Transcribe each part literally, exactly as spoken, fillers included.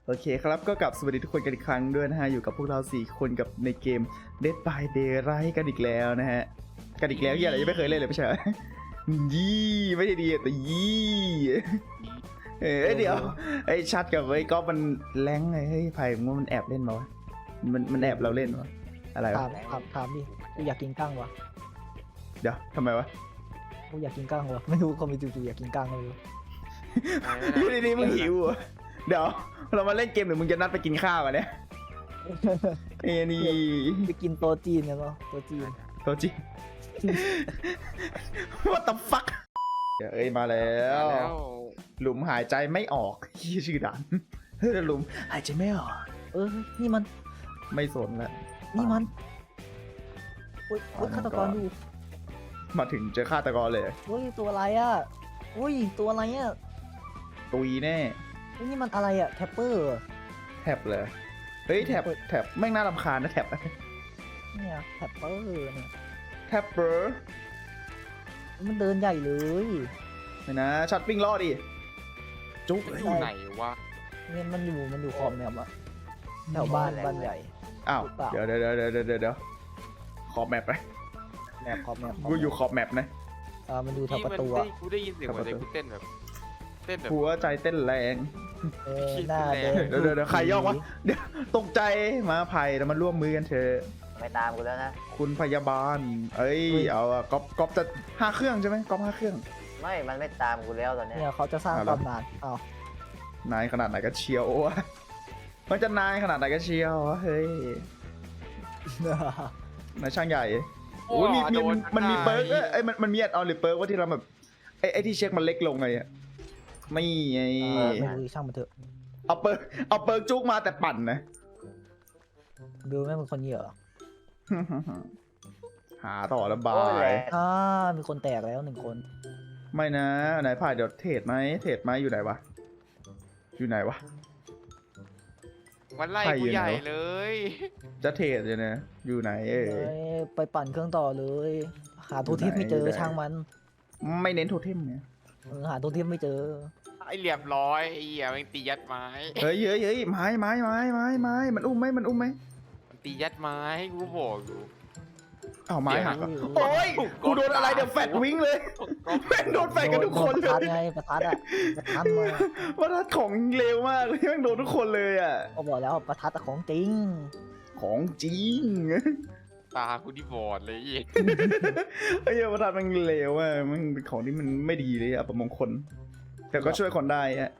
โอเคครับก็กลับสวัสดีทุกคนกันอีกครั้งด้วยนะฮะอยู่กับพวกเราสี่คนกับในเกม Dead by Daylight กันอีกแล้วนะฮะกันอีกแล้วยี่อะไรยังไม่เคยเล่นเลยไม่ใช่ยี่ไม่ใช่ดีแต่ยี่เออเดี๋ยวไอ้ชัดกับไอ้ก๊อฟมันแรงไงเฮ้ยไผ่มึงมันแอบเล่นมาวะมันมันแอบเราเล่นวะอะไรวะถามถามถามดิกูอยากกินกั้งวะเดี๋ยวทำไมวะกูอยากกินกั้งวะไม่รู้คนมีจู่ๆอยากกินกั้งไม่รู้อยู่ดีๆมึงหิวเหรอเดี๋ยวเรามาเล่นเกมหรือมึงจะนัดไปกินข้าวอ่ะเนี่ยไอ้นี่ไปกินโต๊ะจีนกันเนาะโต๊ะจีนโทษจี What the fuck เอ้ยมาแล้ว หลุมหายใจไม่ออกชื่อด่านเฮ้ยหลุมหายใจไม่ออกเออนี่มันไม่สนละนี่มันอุ้ยอุ้ยฆาตกรอยู่มาถึงเจอฆาตกรเลยอุ้ยตัวอะไรอ่ะอุ้ยตัวอะไรอ่ะตุยแน่อุ้ยนี่มันอะไรอ่ะแทปเปอร์แท็บเลยเฮ้ยแท็บแท็บแม่งน่ารำคาญนะแท็บเนี่ยแทปเปอร์เนี่ยแท็บเปอร์มันเดินใหญ่เลยนี่นะช็อตปิ้งล่อดิจุ๊กอยู่ไหนวะเนี่ยมันอยู่มันอยู่ขอบแมปอะแถวบ้านบ้านใหญ่อ้าวหรือเปล่าเดี๋ยวเดี๋ยวเดี๋ยวเดี๋ยวเดี๋ยวขอบแมปไปแมปขอบแมปกูอยู่ขอบแมปนะอ่ามันดูทางที่ประมันตูได้อะกูได้ยินเสียงเหมือนประเด็ตูกกูเต้นแบบเต้นแบบหัวใจเต้นแรงเออหน้าแดงเดี๋ยวเดี๋ยวเดี๋ยวใครย่องวะเดี๋ยวตกใจมาไผ่แล้วมาร่วมมือกันเถอะไม่ตามกูแล้วนะคุณพยาบาล เอ้ย เอาอะก๊อปก๊อปจะห้าเครื่องใช่ไหมก๊อปห้าเครื่องไม่ มันไม่ตามกูแล้วตอนเนี้ยเนี่ยเขาจะสร้างเอาละตำนานอ้าวนายขนาดไหนก็เชียววะมันจะนายขนาดไหนก็เชียววะเฮ้ยนายช่างใหญ่โอ้ยมีมีมันมันมีเปิร์กเอ้ยเอ้ยมันมันมีแอดออนหรือเปิร์กว่าที่เราแบบไอ้ไอ้ที่เช็คมันเล็กลงไงอะไม่ไงเออไม่รู้ช่างมันเถอะเอาเปิร์กเอาเปิร์กจุกมาแต่ปั่นนะบิวแม่งเป็นคนเหยื่อหาต่อระบาโอ้ยแหยละอ่ามีคนแตกแล้วหนึ่งคนไม่นะไหนผ่านเดี๋ยวเทรดไหมเทรดไหมอยู่ไหนวะอยู่ไหนวะมันไล่ใครกูอยู่ไหนใหญ่วะเลยจะเทรดเลยนะอยู่ไหนเอ้ยเอ้ยไปปั่นเครื่องต่อเลย หาโทเทมไม่เจอยู่อไหนช่างมันไม่เน้นโทเทมเนี่ยเออหาโทเทมไม่เจอไอ้เหลี่ยมร้อยไอ้เหี้ยมันตียัดไม้เฮ้ยเฮ้ยเฮ้ยไม้ไม้ไม้ไม้ไม้มันอุ้มไหมมันอุ้มไหมมันตียัดไม้กูบอกอยู่อ้าวไม้หักเหรอเดี๋ยวโอ้ยกูโดนอะไรเดี๋ยวแฟดวิ่งเลยแม่งโดนแฟดกันทุกคนโดเลประทัดยไงประทัดอะประทัดมาว่าถ้าของเร็วมากเลยแม่งโดนทุกคนเลยอ่ะก็บอกแล้วประทัดอะของจริงของจริงตากูที่บอดเลยไอ้เหี้ยไอ้เหี้ยว่าถ้ามันเร็วอ่ะมันเป็นของที่มันไม่ดีเลยอะประมงคลแต่ก็ช่วยคนได้อะ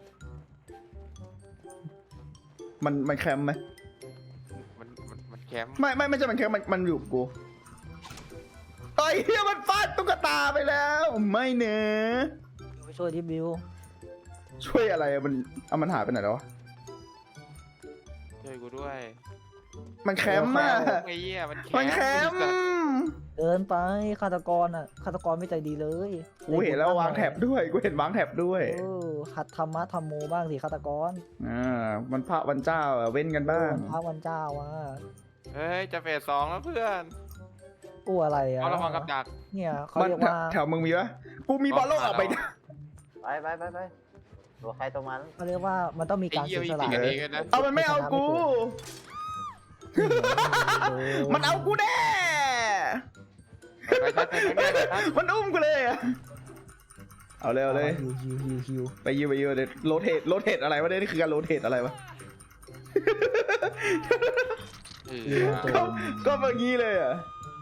มันมันแคมป์ไหมมันมันมันแคมป์ไม่ไม่ไม่ใช่มันแคมป์มันมันอยู่กับกูไอ้เหี้ยมันฟาดตุ๊กตาไปแล้วไม่เนอะไปช่วยที่บิวช่วยอะไรอะมันเอามันหายไปไหนแล้ววะช่วยกูด้วยมันแคมป์อะไอ้เหี้ยมันแคมป์มันแคมป์เดินไปฆาตกรอะฆาตกรไม่ใจดีเลยกูเห็นแล้ววางแถบด้วยกูเห็นวางแถบด้วยเออหัดธรรมะธรรมโมบ้างสิฆาตกรอ่าวันพระวันเจ้าอะเว้นกันบ้างวันพระวันเจ้าว่ะเฮ้ยจะเฟสสองแล้วเพื่อนกลัวอะไรอ่ะเอาระวังกับดักเนี่ยเขามันเรียกแถวว่าแถวมึงมีปะกูมีบอลโลกออกไปนะไปไปไปไปตัวใครตัวมันเขาเรียกว่ามันต้องมีไอ้การเหี้ยเสียมีสละตีกันเองกันนะเอามันไม่เอากู มันเอากูแน่ไปทัดไปทัดไปทัดมันอุ้มกูเลยอะเอาเลยเอาเลยฮิวฮิวฮิวฮิวไปยิวไปยิวเดี๋ยวโรเทตโรเทตอะไรวะเนี่ยนี่คือการโรเทตอะไรวะเอฮิวอตัวก็ก็แบบนี้เลยอ่ะ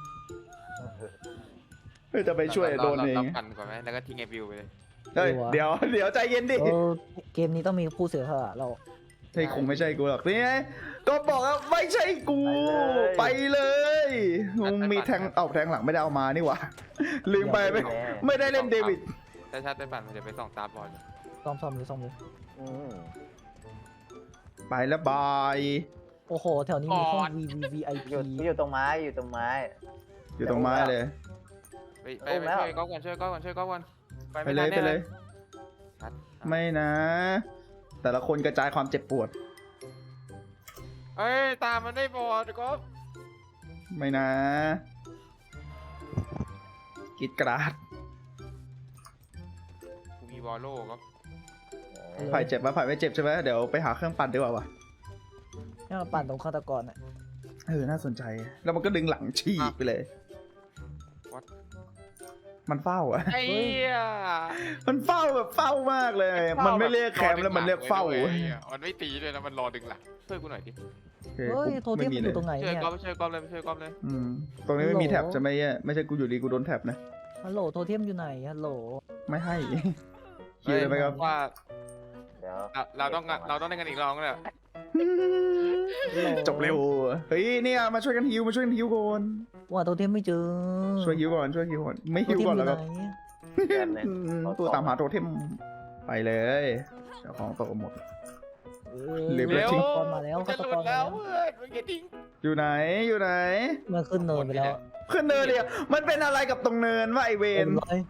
เฮ้ยจะไปช่วยโดนเองราปั่นก่อนไหมแล้วก็ทิ้งไอ้บิวไปเลยเฮ้ยเดี๋ยวเดี๋ยวใจเย็นดิเออเกมนี้ต้องมีผู้เสียสละเราเฮ้ยคงไม่ใช่กูหรอกนี่ไงก็บอกว่าไม่ใช่กู ไปเลยมึงมีแทงเอาแทงหลังไม่ได้เอามานี่หว่าลืมไปไม่ไม่ได้เล่นเดวิดถ้าชาติได้ปั่นมันจะไปส่องตาบอดซ่อมซ่อมเลยซ่อมเลยอืมไปแล้วบายโอ้โหแถวนี้มีห้อง V V V I อยู่ P อยู่ตรงไม้อยู่ตรงไม้อยู่ตรงไม้เลยไปไปไปช่วยก๊อฟก่อนช่วยก๊อฟก่อนช่วยก๊อฟก่อนไปเลยไปเลยชัดไม่นะ แต่ละคนกระจายความเจ็บปวดเอ้ยตามมันได้บอดก๊อฟไม่นะกรีดกราดกูมีบอลโล่ก๊อฟไผ่เจ็บปะไผ่ไม่เจ็บใช่ไหมเดี๋ยวไปหาเครื่องปั่นดีกว่าวะเนี่ยมาปั่นตรงฆาตกรอ่ะเออน่าสนใจแล้วมันก็ดึงหลังฉีกไปเลย What? มันเฝ้าอะไอ้เหี้ยมันเฝ้าแบบเฝ้ามากเลย มันไม่เรียกแคมป์แล้วมันเรียกเฝ้าไอ้เหี้ยมันไม่ตีด้วยนะมันรอดึงหลังช่วยกูหน่อยดิโอเคเฮ้ยกูโทเทมมันอยู่ตรงไหนช่วยเนี่ยก๊อฟช่วยก๊อฟเลยช่วยก๊อฟเลยอืมตรงนี้ไม่มีฮัลโหลแท็บจะไหม่ไม่ใช่กูอยู่ดีกูโดนแท็บนะฮัลโหลโทเทมอยู่ไหนฮัลโหลไม่ให้ คิวเลยไหมครับว่าเดี๋ยวเราเราต้องเราต้องได้กันอีกรองแล้วจบเร็วเฮ้ยเนี่ยมาช่วยกันฮิวมาช่วยกันฮิวก่อนว่าโทเทมไม่เจอช่วยฮิวก่อนช่วยฮิวก่อนไม่โทฮิวเทมก่อนอแล้วยู่ก็ไหนแป๊บนึงอืมตัวตามหาโทเทมไปเลยเจ้าของโตหมดเออเร็วฆาตกรมาแล้วจะฆาตหลุกดรแล้มาว แล้วเพื่อนมึงอย่าทิ้งอยู่ไหนอยู่ไหนมันขึ้นเนินไปแล้วขึ้นเนินเดียวมันเป็นอะไรกับตรงเนินว่าไอเวเต็นมเลย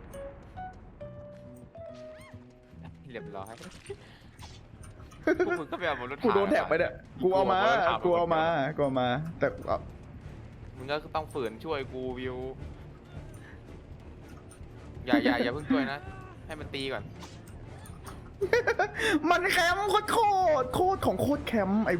เรียบร้อยพวกมึงก็ไปเอาบนรถกูโดนแท็บไปเนี่ยกูเอามากูเอามากูเอามาแต่เอามึงก็ต้องฝืนช่วยกูวิวอย่าอย่าอย่าเพิ่งช่วยนะให้มันตีก่อนมันแคมป์โคตรโคตรโคตรของโคตรแคมป์ไอเวน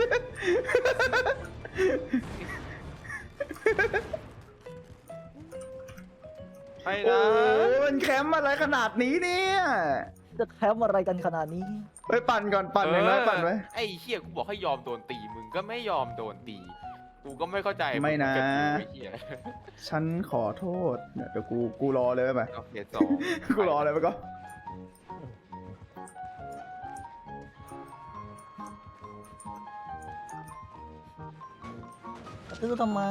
ไปโอ้นะมันแคมป์อะไรขนาดนี้เนี่ยจะแคมป์อะไรกันขนาดนี้ไปปั่นก่อนปั่นอย่างน้อยปั่นไว้ไอ้เชี่ยกูบอกให้ยอมโดนตีมึงก็ไม่ยอมโดนตีกูก็ไม่เข้าใจไม่นะงจอยู่ไอ้เหี้ยฉันขอโทษเนี่ยเดี๋ยวกูกูรอเลยไหมเอาเกียร์สองกูรอเลยไปก็ตื้อทำไม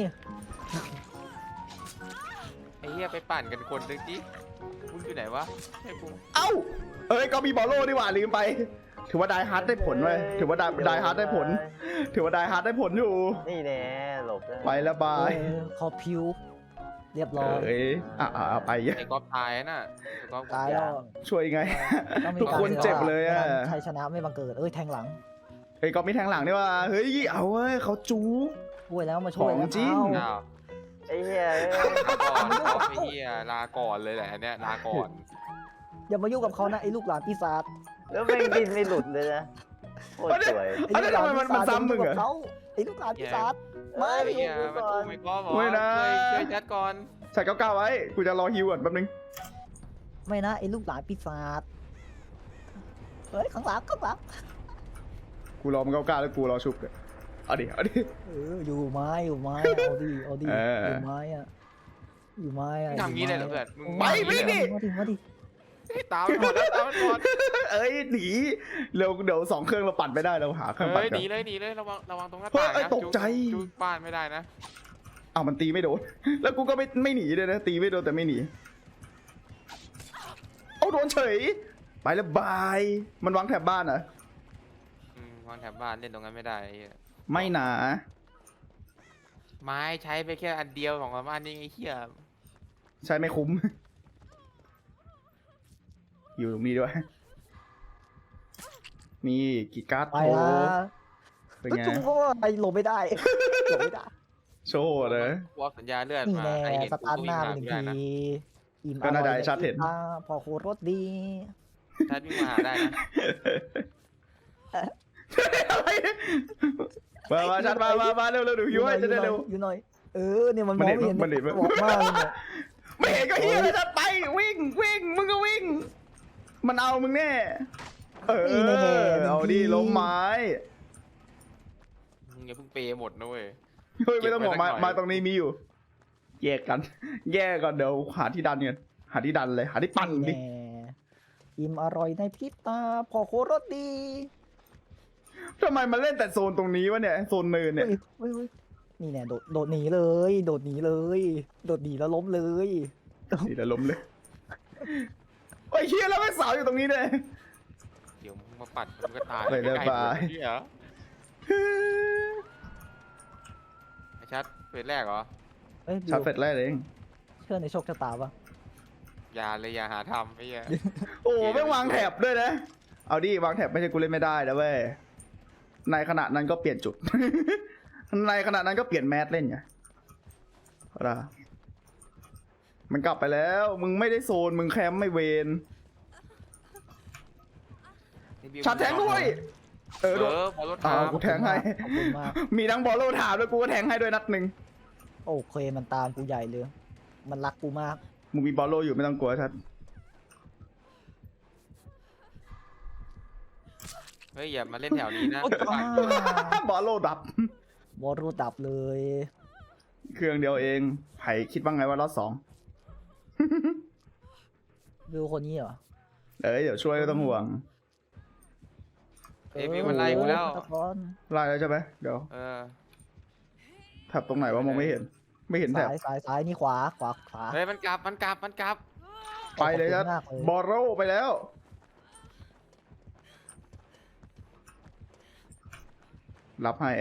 ไอ้เหี้ยไปปั่นกันคนหนึงดิมึงอยู่ไหนวะให้กูเอ้าเอ้ยก็มีบอลโล่ดีกว่าลืมไป ถือว่าไดฮาร์ดได้ผลเว้ยถือว่าไดไดฮาร์ดได้ผล ถือว่าไดฮาร์ดได้ผลอยู่นี่แน่หลบแล้วไปแล้วบายเออขอพิว เรียบร้อยเอ้ยอ่ะอ่ะอ่ะไปไอ้ก๊อฟตายน่ะไอ้ก๊อฟตายแล้วช่วยไงต้องมีทุกคนเจ็บเลยอะไม่งั้นชัยชนะไม่บังเกิด เอ้ยแทงหลังเฮ้ยก็มีแทงหลังนี่ว่าเฮ้ยเอาเว้ยเขาจูช่วยแล้วมาช่วยขแล้อวงจริงเอ้าอ้าวไอ้เหี้ยเอ้ยลาก่อนก๊อฟไอ้เหี้ยลาก่อนเลยแหละอันเนี้ยลาก่อนอย่ามายุ่งกับเขานะไอ้ลูกหลานปีศาจแล้วแม่งดิ้นไม่หลุดเลยนะโคตรสวยไอ้ลูกหลานเอ้ยทำไมมันปีศาจมันซ้ำมึงเหรอย่าายุ่กับเขาไอ้ลูกหลานปีศาจไม่ไอ้อเหี้ยยู่มาก่อดูนไม่ก๊อฟเหรอไม่นะช่วยช่วยจัดก่อนใส่เก้าเก้าไว้กูจะรอฮิวก่อนแป๊บนึงไม่นะไอ้ลูกหลานปีศาจเฮ้ยข้างหลังข้างหลังกูรอมันเก้าเก้าแล้วกูรอชุบเลยเอาดิเอาดิเอออยู่ไม้อยู่ไม้เอาดิเอาดิเออออยู่ไม้อะอยู่ไม้อะทำงี้เลยเหรอเพื่อนมึงไปวิ่งดิมาดิมาดิตามมันก่อนนะตามมันก่อนเอ้ยหนีเร็วเดี๋ยวสองเครื่องเราปั่นไม่ได้เราหาเครื่องปั่นเฮ้ยกัหนีนเลยหนีเลยระวังระวังตรงหน้าเฮ้ยต่างเอ้ยนะตกใจจูบบ้านไม่ได้นะอ้าวมันตีไม่โดน แล้วกูก็ไม่ไม่หนีเลยนะตีไม่โดนแต่ไม่หนีเอาโดนเฉย ไปแล้วบาย มันวางแถบบ้านเหรออืมวางแถบบ้านเล่นตรงนั้นไม่ได้ไอ้เหี้ยไม่หนาไม้ใช้ไปแค่อันเดียวของบ้านนี่ไอ้เหี้ยใช้ไม่คุ้ม อยู่ตรงนี้ด้วย มีกีการ์ดไปโชละว์เป็นไงจุ๊บเพราะว่าไอ้หลบไม่ได้หลบไม่ได้โชว์เลยกูเอาสัญญาเลือดนี่มาแน่ไอ้เห็นสกูตาร์ทก็หวิ่งน้ามาเป็นไม่ได้นะทีอิ่มก็น่าจะอร่อยชัดเห็นอ่าพอโคตรรสดีชัดวิ่งมาหาได้นะอะไรมามาชัดมามามาเร็วเร็วเดี๋ยวฮิวให้จะได้เร็วอยู่หน่อยเออเนี่ยมันมมัอน งเห็นไม่เห็นมันเห็นบอกมากเลยเนี่ยไม่เห็นก็เฮียเลยชัดไปวิ่งวิ่งมึงก็วิ่ง มันเอามึงแน่ เออเอาดิล้มไม้มึงอย่าเพิ่งเปย์หมดนะเว้ยเฮ้ยไม่ต้องบอกมาเก็บไว้สักหน่อยมาตรงนี้มีอยู่ แยกกัน แยกก่อนเดี๋ยวหาที่ดันกันหาที่ดันเลย หาที่ปั่นดิแน่อิ่มอร่อยในพริบตาพอโคตรรสดีทำไมมันเล่นแต่โซนตรงนี้วะเนี่ยโซนเนินเนี่ยเฮ้ยเฮ้ยเฮ้ยนี่แน่โดดโดดหนีเลย โดดหนีเลย โดดหนีแล้วล้มเลยนี่เดี๋ยวล้มเลยโอ้ยเฮียแล้วแม่งสาวอยู่ตรงนี้เลยเดี๋ยวมึงมาปัดมึงก็ตายไปเลยใกล้ๆบายเหี้ยไอ้ชัดเฟสแรกเหรอเอ้ยบิชาว ร์จเฟสแรกเองเชื่อในโชคชะตาปะอย่าเลยอย่าหาทำไอ้เหี้ยโอ้ไม่งวางแถบด้วยนะ เอาดิวางแถบไม่ใช่กูเล่นไม่ได้นะเว้ย ในขณะนั้นก็เปลี่ยนจุด ในขณะนั้นก็เปลี่ยนแมสเล่นไงเอาล่ะมันกลับไปแล้ว มึงไม่ได้โซน มึงแคมป์ไม่เวนนี่บิวชาร์จแทงด้วยเออเอโดนอบอลรถอ้าถาว มกูแทงให้ขอบคุณมากมีทั้งบอลโลถามแล้วกูก็แทงให้ด้วยนัดหนึ่งโอเคมันตามกูใหญ่เลย มันรักกูมากมึงมีบอลโลอยู่ไม่ต้องกลัวชัดเฮ้ยอย่ามาเล่นแถวนี้นะบอลโลดับบอลรูดดับเลยเครื่องเดียวเองไผ่คิดว่าไงว่ารอดสองวิวคนนี้เหรอเอ้ยเดี๋ยวช่วยไม่ต้องห่วงเอ้ยมีมันไล่กูแล้วตะกอนไล่แล้วใช่ไหมเดี๋ยวเออแถบตรงไหนวะมองไม่เห็น ไม่เห็นแถบซ้ายซ้ายซ้ายนี่ขวาขวาขวาเฮ้ยมันกลับมันกลับมันกลับไปเลยชัดขอบคุณมากเลยบอลโลไปแล้ว รับให้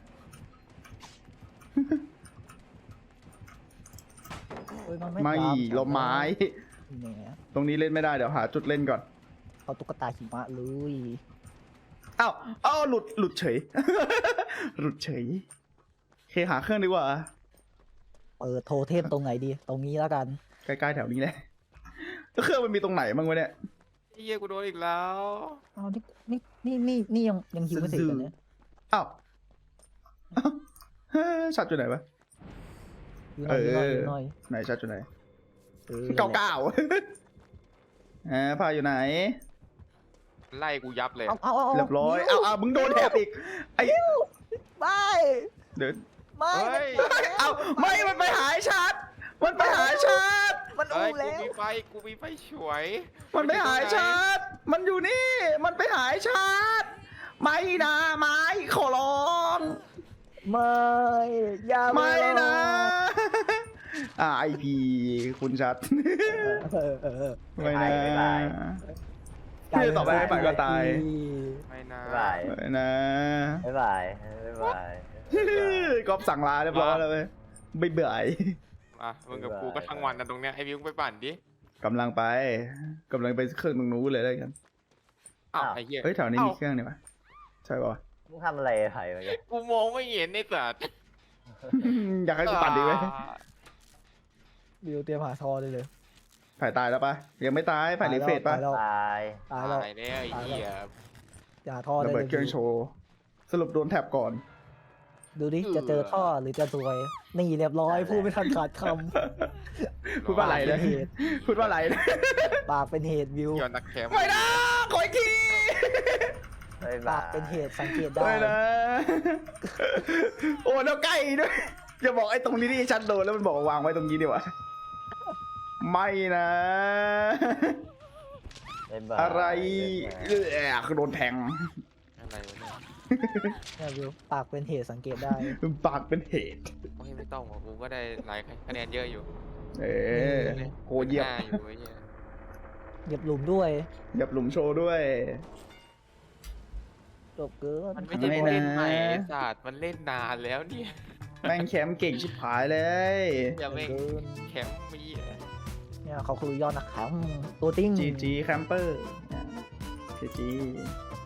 เฮ้ยนไม่ตาลมไม้แหมตรงนี้เล่นไม่ได้เดี๋ยวหาจุดเล่นก่อนเอาตุ๊กตาหิมะเลยอ้าวอ้าวหลุดหลุดเฉย หลุดเฉยโอเคหาเครื่องดีกว่าเปิดโทเทมตรงไหนดี ตรงนี้แล้วกันใกล้ๆแถวนี้แหละแล้วเครื่องมันมีตรงไหนบ้างวะเนี่ยไอ้เหี้ยกูโดนอีกแล้วเอานี่นี่นี่นี่นี่ยังยังฮิวไม่เสร็จกันเนี่ยอ้าวอ้าวเฮ้ยชัดอยู่ไหนวะฮิวหน่อยฮิวหน่อยเออฮิวหน่อยไหนชัดอยู่ไหนออเก้าเก้า อ่าพาอยู่ไหนไล่กูยับเลยเอาเอาเอาเรียบร้อย เอาเอามึงโดนแถบอีก ไอ้ไม่เดินไม่เฮ้ยเอาไม่ มันไปหายชัด มันไปหายชัดมันเฮ้อู้ยกูแล้วมีไฟกูมีไฟฉวยมันไปหายชัด มันอยู่นี่ มันไปหายชัด ไม่นะไม้ขอร้องไม่อย่าไม่นะร้องอ่าไอพีคุณชัดเออเออเออไม่นะไม่ตายพี่จะตอบไปให้ฝ่ายก็ตายไม่นะบ๊ายบายไม่นะบ๊ายบายบ๊ายบายกอบสั่งลาเรียบร้อยแล้วเว้ยไม่เบื่ออ่ะมึงกับกูก็ทั้งวันนะตรงเนี้ยไอ้วิวไปปั่นดิกำลังไปกำลังไปเครื่องตรงนู้นเลยแล้วกันอ้าวไอ้เหี้ยเฮ้ยแถวนี้เอ้ามีเครื่องนี่ปะใช่ปะวะมึงทำอะไรไผ่เมื่อกี้กูมองไม่เห็นในสัตว์อยากให้กูปั่นดีไหมวิวเตรียมหาทอได้เลยผ่ายตายแล้วปะยังไม่ตายผ่ายรีเฟรชปะตายแล้วตายตายแล้วตายแล้วไอ้เหี้ยอย่าทอระได้เบิเลดยเครื่องโชว์สรุปโดนแท็บก่อนดูดิจะเจอท่อหรือจะซวย นี่เรียบร้อยพูดไม่ทันขาดคพูดว่าอะไรำนะเหตุพูดว่าอะไรนะปากเป็นเหตุวิวย้อนนักแคมป์ไม่นะขออีกทีบ๊ายปาบาก ยเป็นเหตุสังเกตได้ไม่นะโอ้แล้วใกล้ด้วยอย่าบอกไอ้ตรงนี้ที่ชัดโดนแล้วมันบอกว่าวางไว้ตรงนี้ดีกว่าไม่นะบ๊ายบายอะไรเออคือโดนแทงอะไรวะเนี่ยเนี่ยวิวปากเป็นเหตุสังเกตได้ปากเป็นเหตุโอ้ยไม่ต้องหรอกกูก็ได้หลายคะแนนเยอะอยู่เออโหเหยียบหน้าอยู่ไอ้เหี้ยเหยียบหลุมด้วยเหยียบหลุมโชว์ด้วยจบเกินมันไม่ใช่ไม่ผู้นะเล่นใหม่ไอ้สัตว์มันเล่นนานแล้วเนี่ยแม่งแคมป์เก่งชิบหายเลยอย่าจบไม่เกินแคมป์มีอ่ะเนี่ยเขาคือยอดนักแข่งตัวติ้งจีจีแคมเปอร์จีจี